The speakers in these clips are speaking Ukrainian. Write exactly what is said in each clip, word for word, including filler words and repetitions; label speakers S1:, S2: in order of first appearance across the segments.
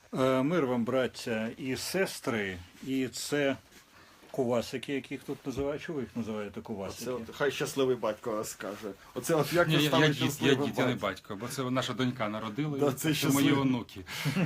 S1: Е, Мир вам, браття і сестри, і це кувасики, яких тут називають. Чого ви їх називаєте кувасики?
S2: Це от, хай щасливий батько розкаже. Оце от як
S3: Ні,
S2: ви
S3: я,
S2: стали
S3: я дід, я
S2: щасливим
S3: дід, я не
S2: батьком?
S3: батько, бо це наша донька народила,
S2: Да,
S3: і
S2: це
S3: це мої
S2: щасливо.
S3: онуки.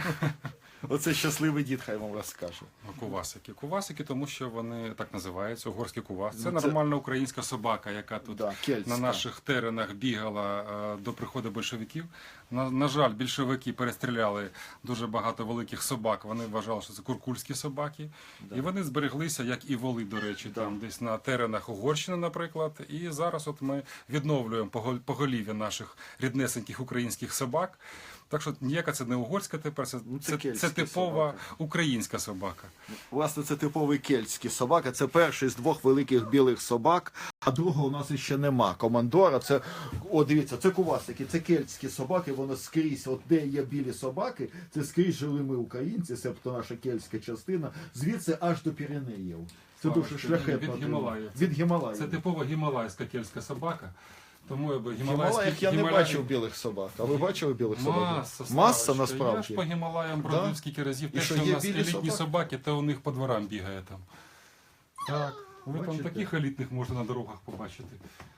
S2: Оце щасливий дід, хай вам розкаже.
S3: Кувасики. Кувасики, тому що вони так називаються, угорський кувас. Це
S2: Ну, це-
S3: нормальна українська собака, яка тут
S2: Да, кельтська.
S3: на наших теренах бігала е, до приходу большевиків. На, на жаль, більшовики перестріляли дуже багато великих собак. Вони вважали, що це куркульські собаки. І вони збереглися, як і воли, до речі, там десь на теренах Угорщини, наприклад. І зараз от ми відновлюємо погол- поголів'я наших ріднесеньких українських собак. Так що ніяка це не угорська тепер, це,
S2: Ну, це
S3: це,
S2: кельтська
S3: це типова
S2: собака.
S3: українська собака.
S2: Власне, це типовий кельтський собака. Це перший з двох великих білих собак, а другого у нас ще нема. Командора, це, о, дивіться, це кувасики, це кельтські собаки, воно скрізь, от де є білі собаки, це скрізь жили ми українці, себто наша кельтська частина, звідси аж до Піренеїв. Це
S3: Слава,
S2: дуже
S3: що
S2: шляхетно.
S3: від Гімалаїв.
S2: Від Гімалаїв.
S3: Це типова гімалайська кельтська собака. Тому я би
S2: В
S3: гімалайські...
S2: Гімалаях я не
S3: гімалаї-
S2: бачив білих собак. А ви бачили білих собак?
S3: Маса,
S2: Маса
S3: Славочка.
S2: насправді.
S3: Я ж по Гімалаям бродив
S2: Да?
S3: скільки разів.
S2: І
S3: Те,
S2: що,
S3: що,
S2: є
S3: у нас
S2: білі
S3: елітні
S2: собаки?
S3: собаки, то у них по дворам бігає там. Так, ви там
S2: Бачите?
S3: таких елітних можна на дорогах побачити.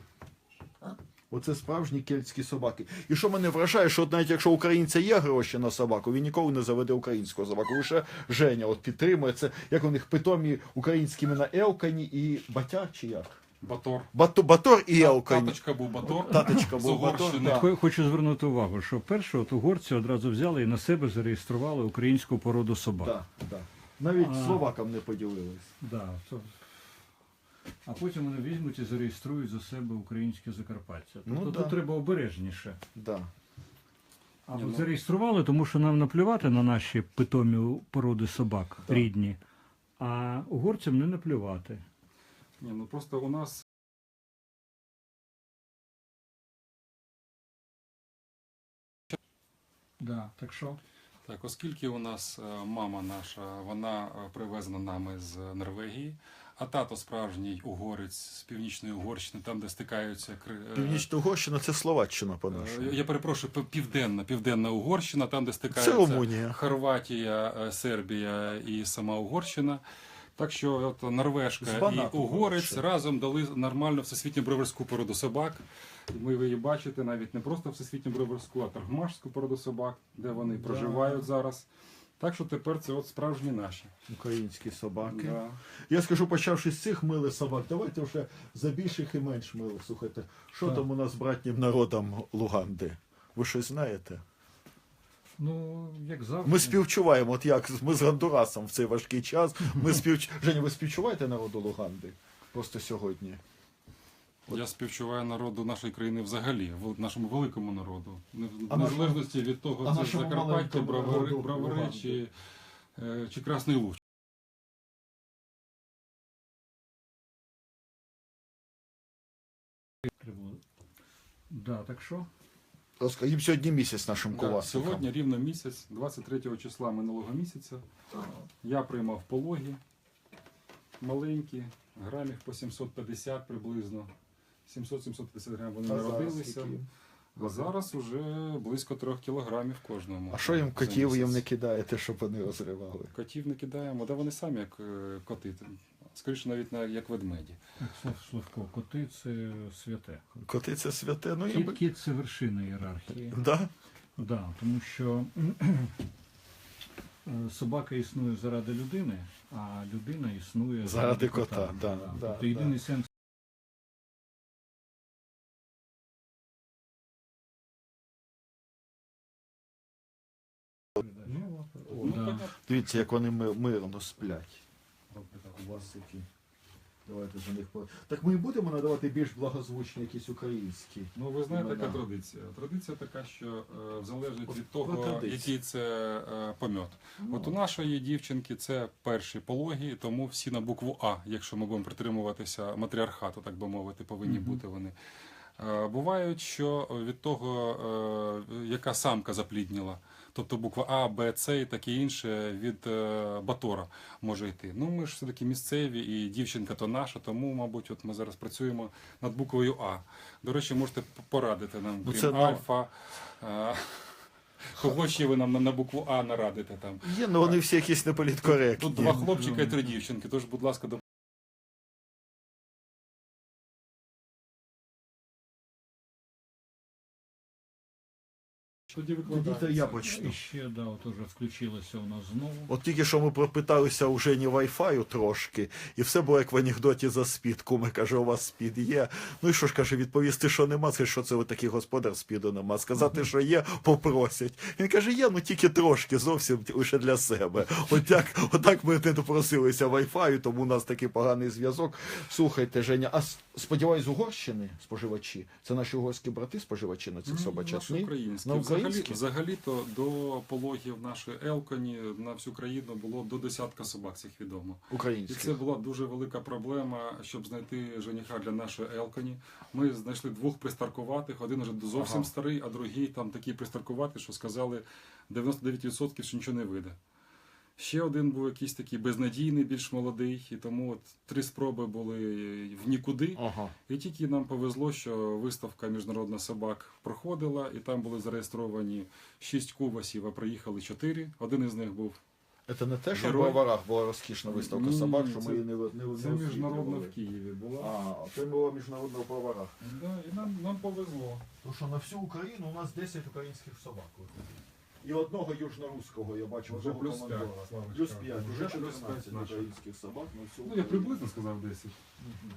S2: Оце справжні кельтські собаки. І що мене вражає, що от навіть якщо у українця є гроші на собаку, він ніколи не заведе українську собаку. Лише Женя от підтримує це, як у них питомі українські імена Елкані і Батяр чи як?
S3: Батор.
S2: Бато, Батор і Елкані.
S3: Таточка був Батор.
S2: Таточка
S3: з
S2: був Батор.
S3: Угорщини.
S2: Да.
S1: Хо- Хочу звернути увагу, що перше от угорці одразу взяли і на себе зареєстрували українську породу собак.
S2: Да, да. Навіть
S1: А.
S2: словакам не поділились.
S1: Да, то... А потім вони візьмуть і зареєструють за себе українське Закарпаття. Тобто
S2: Ну,
S1: тут
S2: да.
S1: треба обережніше.
S2: Да.
S1: А
S3: Ні,
S1: от
S3: ну-
S1: зареєстрували, тому що нам наплювати на наші питомі породи собак рідні, а угорцям не наплювати.
S3: Ні, ну просто у нас
S1: Да, так що?
S3: так, оскільки у нас е, мама наша, вона е, привезена нами з Норвегії, а тато справжній угорець з північної Угорщини, там, де стикаються кри- е,
S2: Північна Угорщина це Словаччина по
S3: Е,
S2: нашому.
S3: Я перепрошую, пів- південна, південна Угорщина, там, де стикаються
S2: Румунія.
S3: Хорватія, е, Сербія і сама Угорщина. Так що от Норвежка
S2: З
S3: і
S2: Банату
S3: угорець
S2: ще.
S3: разом дали нормальну всесвітню броварську породу собак. І ви її бачите навіть не просто всесвітню броварську, а таргмашську породу собак, де вони проживають зараз. Так що тепер це от справжні наші.
S2: Українські собаки.
S3: Да.
S2: Я скажу, почавши з цих милих собак, давайте вже за більших і менш милих. Слухайте, що
S1: Так.
S2: там у нас з братнім народом Луганди? Ви щось знаєте?
S1: Ну, як завжди.
S2: Ми співчуваємо, от як ми з Гондурасом в цей важкий час. Ми співч... Женя, ви співчуваєте народу Луганди? Просто сьогодні.
S3: Я співчуваю народу нашої країни взагалі, вел- нашому великому народу. Не-
S2: А
S3: В
S2: нашому-
S3: незалежності від
S2: а
S3: того, це
S2: нашому
S3: Закарпаття,
S2: маленькому
S3: Бровари,
S2: народу
S3: Бровари
S2: Луганди?
S3: чи, е, чи Красний Луг.
S1: Да, так що?
S2: Розкажіть, їм сьогодні місяць нашим
S3: Да,
S2: куласикам.
S3: сьогодні рівно місяць, двадцять третього числа минулого місяця, я приймав пологи маленькі, грамів по сімсот п'ятдесят приблизно. сімсот сімсот п'ятдесят грамів вони
S2: А зараз
S3: народилися.
S2: які?
S3: А зараз уже близько трьох кілограмів кожному.
S2: А що їм
S3: за
S2: котів їм
S3: місяць.
S2: не кидаєте, щоб вони розривали?
S3: Котів не кидаємо, да вони самі як е, коти. Скоріше навіть на- як ведмеді.
S1: Так, Слав- Славко, коти це святе.
S2: Коти це святе, ну
S1: Кіт,
S2: їм...
S1: кіт це вершина ієрархії.
S2: Да?
S1: Да, тому що е, собака існує заради людини, а людина існує
S2: Заради кота, да, да,
S1: Тобто
S2: да.
S1: єдиний сенс. Ну, о,
S3: Ну,
S1: да.
S3: понятно.
S2: Дивіться, як вони ми- мирно сплять. Куласики. Давайте за них по- Так ми і будемо надавати більш благозвучні якісь українські.
S3: Ну, ви знаєте,
S2: імена.
S3: яка традиція? Традиція така, що е, залежить
S2: От
S3: від
S2: про
S3: того,
S2: традицію.
S3: який це е, помьот.
S2: Ну.
S3: От у нашої дівчинки це перші пологи, тому всі на букву А, якщо ми будемо притримуватися матріархату, так би мовити, повинні
S1: Мгм.
S3: бути вони. Е, Бувають, що від того, е, яка самка заплідніла, тобто буква А, Б, С і таке інше від е, Батора може йти. Ну, ми ж все-таки місцеві, і дівчинка то наша, тому, мабуть, от ми зараз працюємо над буквою А. До речі, можете п- порадити нам,
S2: Ну,
S3: крім
S2: це, ну,
S3: Альфа. е, Кого ще ви нам на, на букву А нарадите там?
S2: Є, ну вони всі якісь неполіткоректні.
S3: Тут два хлопчика і три дівчинки, тож, будь ласка, до тоді
S2: Тоді то
S3: викладається.
S2: я почну.
S1: І ще, да, от уже включилося у нас знову.
S2: От тільки що ми пропиталися у Жені Wi-Fi трошки, і все було як в анекдоті за спід. Куми каже, у вас спід є. Ну і що ж каже, відповісти, що нема, це що це ви такий господар спіду нема. Сказати, що є, попросять. Він каже, є, ну тільки трошки, зовсім лише для себе. Отак, отак ми не допросилися Wi-Fi, тому у нас такий поганий зв'язок. Слухайте, Женя, а с- сподіваюсь, з Угорщини споживачі? Це наші угорські брати споживачі на цих собачат?
S3: Наші
S2: Ні?
S3: українські.
S2: На
S3: Взагалі,
S2: українські?
S3: взагалі-то до пологів нашої Елконі на всю країну було до десятка собак цих відомо. І
S2: Українські.
S3: це була дуже велика проблема, щоб знайти жениха для нашої Елконі. Ми знайшли двох пристаркуватих, один уже зовсім
S2: Ага.
S3: старий, а другий там такий пристаркуватий, що сказали дев'яносто дев'ять відсотків, що нічого не вийде. Ще один був якийсь такий безнадійний, більш молодий, і тому от три спроби були в нікуди.
S2: Ага.
S3: І тільки нам повезло, що виставка міжнародна собак проходила, і там були зареєстровані шість кувасів, а приїхали чотири. Один із них був.
S2: Це не те, що в
S3: Герой.
S2: Броварах була розкішна виставка
S3: Ні,
S2: собак,
S3: ні,
S2: що
S3: це-
S2: ми її не, не, не
S3: Це міжнародна в Києві була.
S2: А, це була міжнародна в Броварах.
S3: Да, і нам, нам повезло.
S2: Тому що на всю Україну у нас десять українських собак. І одного южноруського, я бачу,
S3: Вже
S2: одного
S3: плюс
S2: командора.
S3: п'ять, Славочка.
S2: Плюс п'ять, вже
S3: Вже плюс
S2: чотирнадцять
S3: п'ять наших.
S2: українських собак на всю
S3: Ну, я
S2: Україну.
S3: приблизно сказав десять.
S2: Мгм.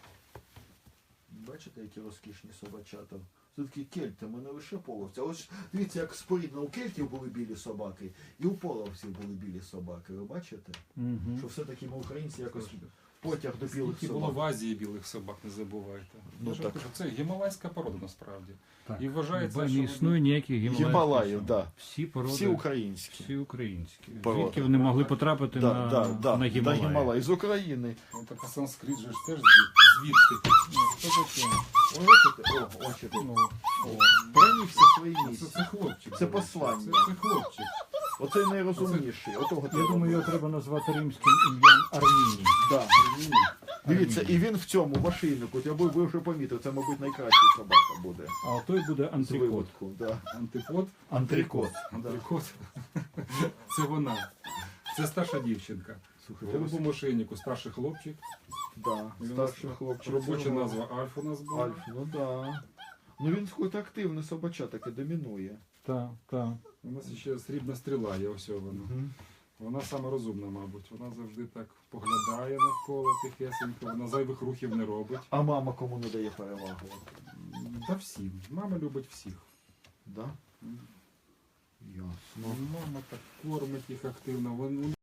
S2: Бачите, які розкішні собачата. Це такі кельти, ми не лише половці. А ось дивіться, як спорідно у кельтів були білі собаки, і у половців були білі собаки. Ви бачите?
S1: Угу.
S2: Що все-таки ми українці якось потяг до білих
S3: Скільки було
S2: собак.
S3: в Азії білих собак, не забувайте.
S2: Ну,
S3: Я ж
S2: так.
S3: кажу, це гімалайська порода насправді.
S1: Так.
S3: І вважається,
S1: Бо
S3: що
S1: не
S3: вони-
S1: існує ніяких гімалаїв.
S2: Гімалаїв, да.
S1: Всі породи,
S2: Всі українські.
S1: всі українські.
S2: Породи.
S1: Звідки вони могли потрапити
S2: Да,
S1: на,
S2: да, да,
S1: на
S2: да,
S1: Гімалаї?
S2: Гімалаї. З України.
S3: Ну, так а санскрит же ж теж звід- звідти. Ну, що таке?
S2: О, бачите? О, бачите.
S3: Ну,
S2: О, пронісся свої
S3: це,
S2: місця.
S3: це хлопчик.
S2: Це
S3: до речі.
S2: послання.
S3: Це, це хлопчик.
S2: Оцей найрозумніший. Отого
S1: Я
S2: треба
S1: думаю, його
S2: було.
S1: треба назвати римським ім'ям Арміній.
S2: Да. Дивіться, і він в цьому в ошейнику. Я би ви вже помітив, це, мабуть, найкраща собака буде.
S1: А той буде
S2: З
S1: антрикот.
S2: виводку. Да.
S3: Антипод.
S2: Антрикот. Да.
S3: Антрикот. Це вона. Це старша дівчинка.
S2: Слухайте,
S3: В голубому шийнику старший хлопчик.
S2: Да.
S3: І у нас
S2: Старший хлопчик.
S3: Робоча
S2: це
S3: назва Альф у нас була.
S2: Альф, ну да. Ну він хоч активний собача, таке домінує.
S1: Так, так.
S3: У нас ще срібна стріла є, ось вона.
S2: Мгм.
S3: Вона саме розумна, мабуть. Вона завжди так поглядає навколо тихесенько, вона зайвих рухів не робить.
S2: А мама кому не дає перевагу?
S3: Та всім. Мама любить всіх.
S2: Да? Ясно.
S3: Мама так кормить їх активно. Вони